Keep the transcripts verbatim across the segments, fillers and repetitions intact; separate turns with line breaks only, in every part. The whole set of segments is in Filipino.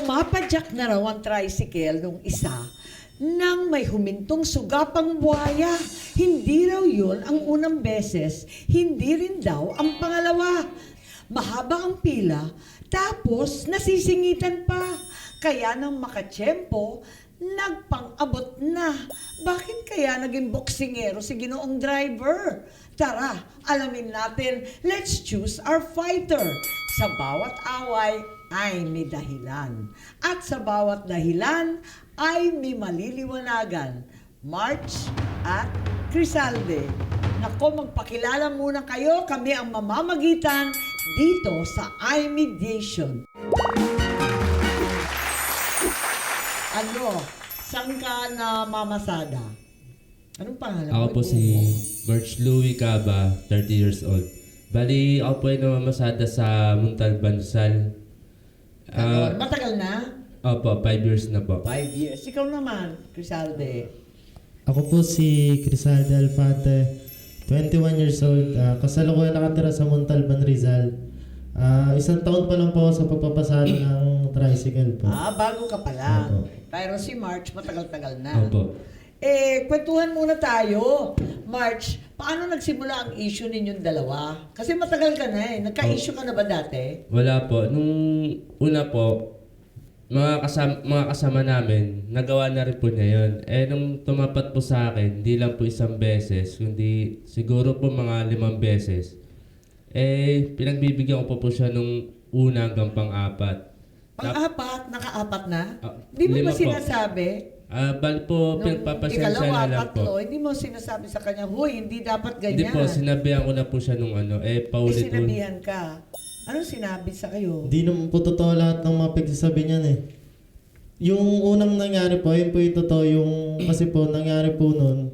Pumapadyak na raw ang tricycle nung isa nang may humintong sugapang buhaya. Hindi raw yun ang unang beses, hindi rin daw ang pangalawa. Mahaba ang pila, tapos nasisingitan pa. Kaya nang makatsyempo, nagpang-abot na. Bakit kaya naging boksingero si Ginoong driver? Tara, alamin natin. Let's choose our fighter. Sa bawat away ay may dahilan. At sa bawat dahilan ay may maliliwanagan. March at Crisalde. Nako, magpakilala muna kayo. Kami ang mamamagitan dito sa iMediation. Ano? Saan ka na mamasada? Anong pangalan
Ako
mo?
po si March Louie Caba, thirty years old. Bali, ako po ay namamasada sa Montalban, Rizal.
Ano?
Ah,
Matagal na?
opo, five years na po.
Five years. Ikaw naman, Crisalde.
Ako po si Crisalde Alfate, twenty-one years old. Uh, kasalukuyan nakatira sa Montalban, Rizal. Ah, isang taon pa lang po ako sa pagpapasada ng tricycle po.
Ah, bago ka pa lang.
Opo.
Pero si March, matagal-tagal na.
Opo.
Eh, kwentuhan muna tayo. March, paano nagsimula ang issue ninyong dalawa? Kasi matagal ka na eh. Nagka-issue ka na ba dati?
Wala po. Nung una po, mga kasama, mga kasama namin, nagawa na rin po niya yun. Eh, nung tumapat po sa akin, hindi lang po isang beses, kundi siguro po mga limang beses. Eh, pinagbibigyan ko po po siya nung una hanggang pang-apat.
Pang-apat, naka-apat na?
Ah,
Di mo
lima
ba
po.
sinasabi?
Ah, bali po,
Nung
pinagpapasensya
ikalawa,
na lang po.
tatlo, hindi mo sinasabi sa kanya, huy, hindi dapat
Hindi
ganyan.
po, sinabihan ko na po siya nung ano, eh,
eh,
paulit-ulit.
sinabihan ka. Anong sinabi sa kayo?
Hindi naman po totoo lahat ng mga pagsasabi niyan eh. Yung unang nangyari po, yun po yung totoo. Yung, kasi po, nangyari po nun,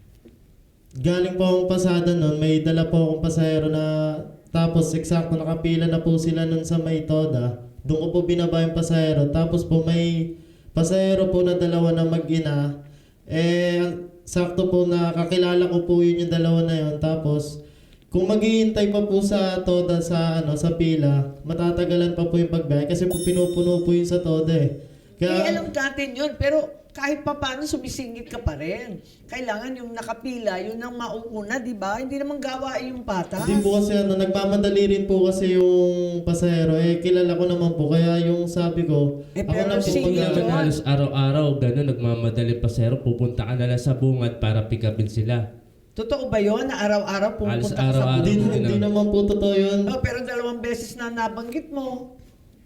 galing po akong pasada nun, may dala po akong pasahero na, tapos eksakto nakapila na po sila nun sa may Toda. Doon ko po binaba yung pasahero. Tapos po may pasahero po na dalawa na mag-ina. Eh, sakto po na kakilala ko po yun yung dalawa na yun. Tapos, kung maghihintay pa po sa Toda sa ano sa pila, matatagalan pa po yung pagbiyahe kasi po pinupuno po yun sa Toda eh.
Eh, alam natin yun, pero kahit pa paano sumisingit ka pa rin. Kailangan yung nakapila, yun ang mauuna, di ba? Hindi naman gawain yung patas.
Hindi po kasi ano, nagmamadali rin po kasi yung pasahero. Eh, kilala ko naman po. Kaya yung sabi ko,
Eh,
ako
pero
na po
sige
pag
Pag naman
yun.
halos araw-araw, gano'n, nagmamadali pa sero, pupunta ka na lang sa bungad para pick upin sila.
Totoo ba yun na araw-araw
Halos
pupunta ka sa
araw-araw.
Hindi,
bundok?
hindi naman po totoo yun.
Oh, pero dalawang beses na nabanggit mo.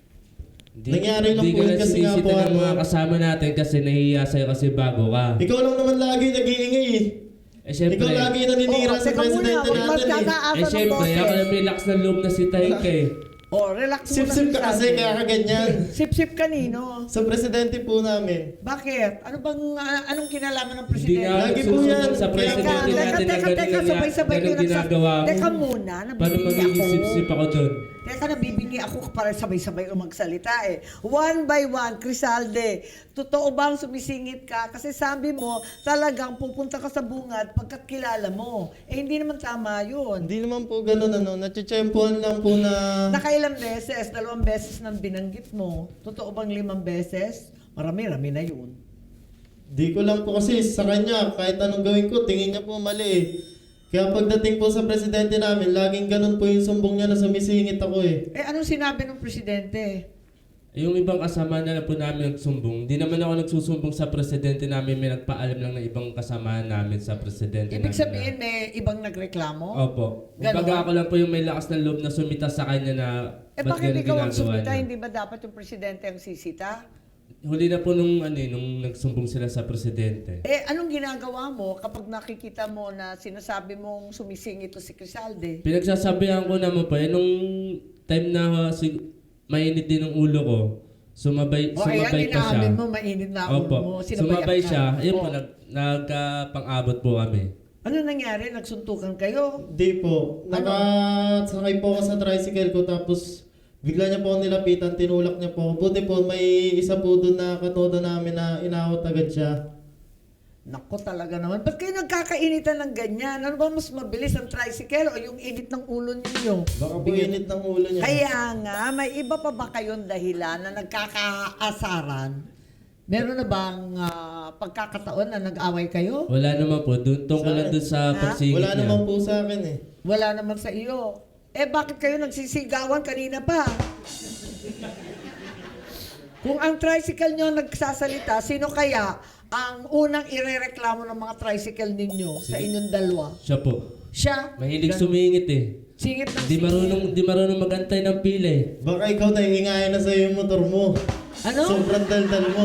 Di,
Nangyari lang
di
po
ka
yun kasi nga
nasisita
po,
ng
ano-
mga kasama natin kasi nahihiya sa'yo kasi bago ka.
Ikaw lang naman lagi nag-iingay eh.
Eh syempre,
Ikaw lagi naninira
Oh,
sa
teka
presidente
muna,
natin eh.
magkakaasa
eh
ng
syempre,
boses.
ako lang may lakas ng loob na si Taik eh.
Oh, relax muna.
Sip-sip ka kasi
sabi.
kaya ka ganyan.
Sip-sip kanino?
Sa presidente po namin.
Bakit? Ano bang, ah, anong kinalaman ng
Hindi
presidente?
nga ako
Lagi po yan.
nagsusumbong sa
Teka,
presidente
teka,
natin
teka,
na
teka,
ganun
sabay-sabay
ganun
kayo nagsa-
ginagawa mo.
Teka muna,
Paano
nabibingi
magiging
ako.
sip-sip ako doon?
Teka, nabibingi ako para sabay-sabay ko magsalita eh. One by one, Crisalde, totoo bang sumisingit ka? Kasi sabi mo, talagang pupunta ka sa bungad pagkat kilala mo. Eh, hindi naman tama yun.
Hindi naman po ganun ano. Natsyempohan lang po na...
Nakailang beses, dalawang beses nang binanggit mo. Totoo bang limang beses? Marami-rami na yun.
Di ko lang po kasi sa kanya, kahit anong gawin ko, tingin niya po mali eh. Kaya pagdating po sa presidente namin, laging ganun po yung sumbong niya na sumisingit ako eh.
Eh, anong sinabi ng presidente?
Yung ibang kasama na lang po namin nagsumbong, di naman ako nagsusumbong sa presidente namin, may nagpaalam lang ng ibang kasama namin sa presidente
Ibig
namin.
sabihin, may ibang nagreklamo?
Opo.
Ganon?
Kumbaga ako lang po yung may lakas ng loob na sumita sa kanya na
Eh,
ba't
bakit
ganun
ikaw ang
ginagawa
sumita?
niya.
Hindi ba dapat yung presidente ang sisita?
Huli na po nung, ano, eh, nung nagsumbong sila sa presidente.
Eh, anong ginagawa mo kapag nakikita mo na sinasabi mong sumising ito si Crisalde?
Pinagsasabihan ko naman po, eh, nung time na uh, sig- mainit din ang ulo ko, sumabay,
O
sumabay
ayan,
pa siya.
inaamin mo, mainit na ulo
Opo.
mo. Sinabayan
Sumabay
ka.
siya, ayun po,
O,
nag, nagkapang-abot po kami.
ano nangyari? Nagsuntukan kayo?
Di po. Nakasakay po ako sa tricycle ko tapos bigla niya po ako nilapitan, tinulak niya po ako. Buti po may isa po doon na katoda namin na inawat agad siya.
Naku talaga naman. Ba't kayo nagkakainitan ng ganyan? Ano ba mas mabilis ang tricycle o yung init ng ulo ninyo?
Baka po init ng ulo niya.
Kaya nga, may iba pa ba kayong dahilan na nagkakaasaran? Meron na bang ah, pagkakataon na nag-away kayo?
Wala naman po. Dun, tungkol lang dun sa
Ha?
pagsigit
Wala
niya.
naman po sa akin eh.
Wala naman sa iyo. Eh bakit kayo nagsisigawan kanina pa? Kung ang tricycle nyo nagsasalita, sino kaya ang unang irereklamo ng mga tricycle ninyo sa inyong dalawa?
Siya po.
Siya?
Mahilig
Ganun.
sumingit eh.
Singit ng
Di
singit.
marunong, di marunong magantay ng pila eh.
Baka ikaw naiingayan na sa'yo yung motor mo.
Ano?
Sobrang daldal mo.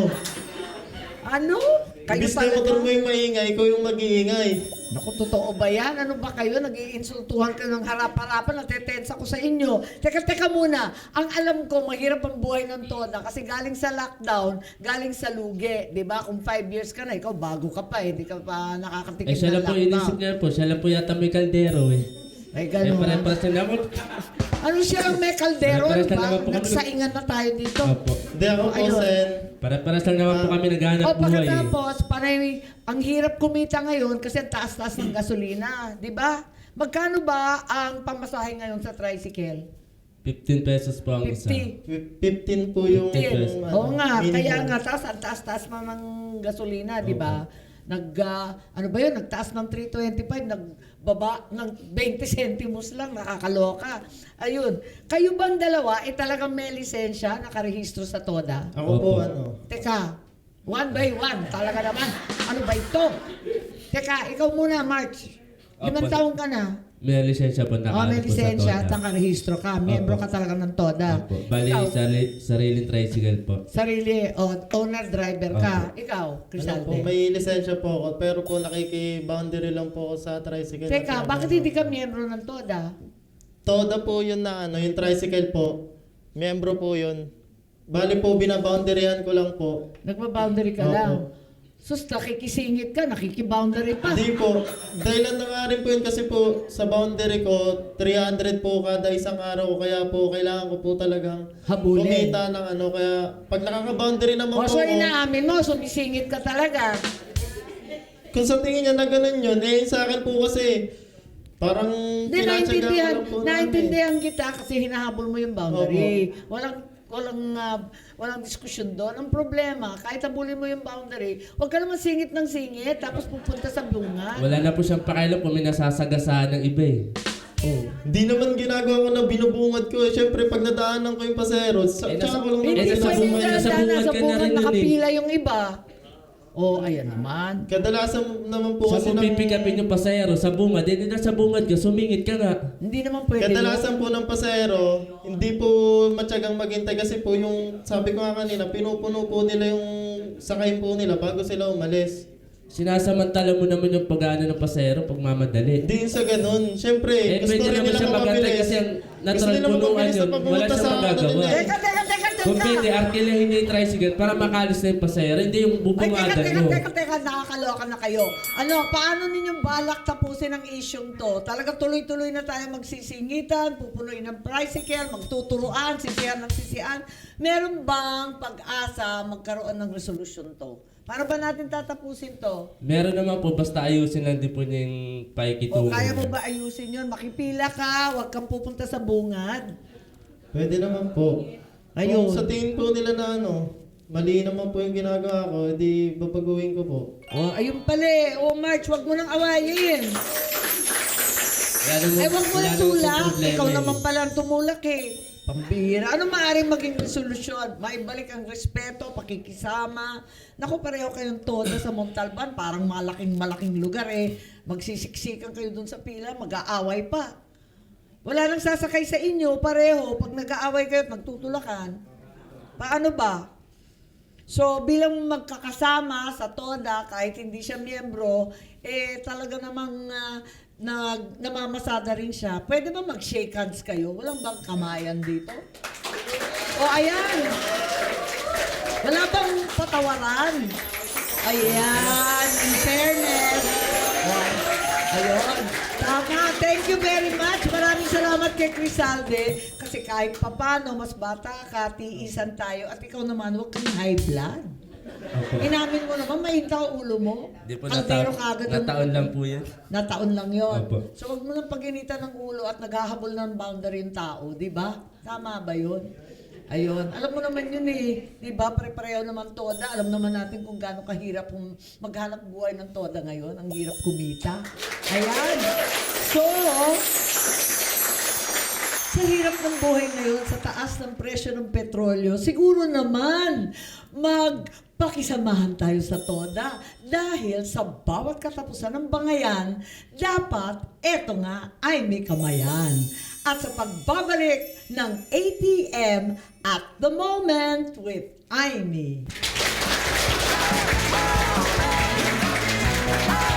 Ano? Kayo
Ibis na yung motor mo yung maingay, ikaw yung mag-iingay.
Naku, totoo ba yan? Ano ba kayo? Nag-iinsultuhan ka ng harap-harapan, natetensa ko sa inyo. Teka, teka muna. Ang alam ko, mahirap ang buhay ng Toda kasi galing sa lockdown, galing sa lugi. Di ba? Kung five years ka na, ikaw bago ka pa, hindi ka pa nakakatikim
Eh siya
ng
lang po,
lockdown.
inisip niya po. Siya lang po yata may kaldero eh.
Ay,
Eh
gano'n.
pare-pares na ako.
Ano siya ang may kaldero?
Pare-pares
Di
lang
ba?
naman po kami.
Nagsaingan na tayo dito.
Opo.
Hindi ako po,
Ayun.
Sen.
Pare-pares lang naman po kami naghahanap
O
buhay eh.
pagkatapos, panay, ang hirap kumita ngayon kasi ang taas-taas ng gasolina. Di ba? Magkano ba ang pamasahe ngayon sa tricycle?
fifteen pesos po ang isa.
fifty.
fifteen po yung...
fifteen.
ano,
Oo nga,
minimum.
kaya nga, taas, ang taas-taas pa ng gasolina, di ba? Nag, ah, ano ba yun, nagtaas ng three twenty-five, nagbaba ng twenty centimos lang, nakakaloka. Ayun, kayo bang dalawa, eh talagang may lisensya, nakarehistro sa Toda?
Ako po,
Opo.
ano...
Teka, one by one, talaga naman. Ano ba ito? Teka, ikaw muna, March. Limang
Opo.
taong ka na.
May lisensya po
Oh,
nakaano
may
po sa
lisensya at
Toda.
nakarehistro ka. Miyembro
Opo.
ka talaga ng Toda.
Opo. Bali,
Ikaw,
sari, sariling tricycle po.
sarili, o owner driver ka. Ikaw,
Ano po,
Crisalde.
may lisensya po ako, pero po nakiki-boundary lang po ako sa tricycle.
Teka, bakit hindi ka miyembro ng Toda?
Toda po yun na ano, yung tricycle po. Miyembro po yun. Bali po, binaboundaryan ko lang po.
Nagba-boundary ka
Opo.
lang. Sus, nakikisingit ka, nakikiboundary pa.
Hindi po. Dahilan na nga rin po yun kasi po sa boundary ko, three hundred po kada isang araw. Kaya po, kailangan ko po talagang
Habulin.
kumita ng ano. Kaya pag nakaka-boundary naman
O,
po
so
ako,
inaamin mo, sumisingit ka talaga.
kung sa tingin niya na ganun yun, eh sa akin po kasi, parang
Hindi,
tinatsaga ko
naintindihan,
lang po namin.
naintindihan kita kasi hinahabol mo yung boundary. Walang walang ah, walang diskusyon doon. Ang problema, kahit habulin mo yung boundary, huwag ka naman singit ng singit tapos pupunta sa bunga.
Wala na po siyang pakialam kung may nasasagasaan ng iba eh.
Oh. Hindi naman ginagawa ko na binubungad ko. Eh, syempre, pag nadaanan ko yung pasero, sa,
Eh,
tsaka
nasa-
ko lang
eh,
Hindi
naman
nasa
pwede
bungad-
ginagawa.
nasa
daan,
bungad
nasa
ka na
bungad
rin nun eh.
nakapila yung iba. Oh, ayan naman.
Kadalasan naman po
So
kasi
kung
ng,
pipikapin yung pasahero sa bungad, eh na sa bungad ka, sumingit ka nga.
Hindi naman pwede.
kadalasan po ng pasero, hindi po matyagang maghintay kasi po yung, sabi ko nga kanina, pinupuno po nila yung sakay po nila bago sila umalis.
Sinasamantala mo naman yung pag-ano ng pasahero pag mamadali.
Hindi yun sa ganun. Siyempre,
Eh,
gusto
pwede
rin
naman
nila
siya magantay
mapabilis.
kasi ang
Gusto
natural
nila
punuan
mapabilis
yun.
na
Wala
papunta
siyang
sa ano
magagawa.
nila.
Teka, teka, teka, teka.
Kung pwede, arkilahin niya yung tricycle para makalis na yung pasahero, hindi yung
Ay, teka,
bubungadan
teka,
mo.
teka, teka, nakakaloka na kayo. Ano, paano ninyong balak tapusin ang isyong to? Talaga tuloy-tuloy na tayo magsisingitan, pupunuin ng tricycle, magtuturuan, sisihan ng sisihan. Meron bang pag-asa magkaroon ng resolusyon to? Paano ba natin tatapusin to?
Meron naman po, basta ayusin lang din po niya yung
O
paikitungo.
kaya mo ba ayusin yun? Makipila ka, huwag kang pupunta sa bungad.
Pwede naman po.
Ayun.
Kung sa tingin po nila na ano, mali naman po yung ginagawa ko, edi babaguhin ko po.
O, ayun pala eh. O, March, huwag mo nang awayin.
Wala namang-
Eh, wag mo
wala
na
namang
tulak.
problema
Ikaw
eh.
naman pala ang tumulak eh. Pambihira. Ano maaaring maging resolusyon? Maibalik ang respeto, pakikisama. Naku, pareho kayong Toda sa Montalban. Parang malaking-malaking lugar eh. Magsisiksikan kayo dun sa pila, mag-aaway pa. Wala nang sasakay sa inyo, pareho. Pag nag-aaway kayo at magtutulakan. Paano ba? So, bilang magkakasama sa Toda, kahit hindi siya miyembro, eh talaga namang ah, nag, namamasada rin siya. Pwede ba mag-shake hands kayo? Walang bang kamayan dito? O, ayan. Wala bang patawaran? Ayan, in fairness. Ay, ayun. Tama. Thank you very much. Maraming salamat kay Crisalde. Kasi kahit papano, mas bata ka, tiisan tayo. At ikaw naman, huwag kang high blood.
Opo.
Inamin mo naman, mahinta ang ulo mo.
Di po
Kaldero
nata-
kagad ang-
nataon lang po yan.
Nataon lang yon.
Opo.
So wag mo nang paginitan ng ulo at naghahabol ng boundary yung tao, di ba? Tama ba yun? Ayun. Alam mo naman yun eh. Di ba? Pare-pareho naman toda. Alam naman natin kung gaano kahirap kung maghanap buhay ng toda ngayon. Ang hirap kumita. Ayan. So, sa hirap ng buhay ngayon, sa taas ng presyo ng petrolyo, siguro naman magpakisamahan tayo sa toda dahil sa bawat katapusan ng bangayan, dapat eto nga ay may kamayan. At sa pagbabalik ng A T M at the moment with Aimee.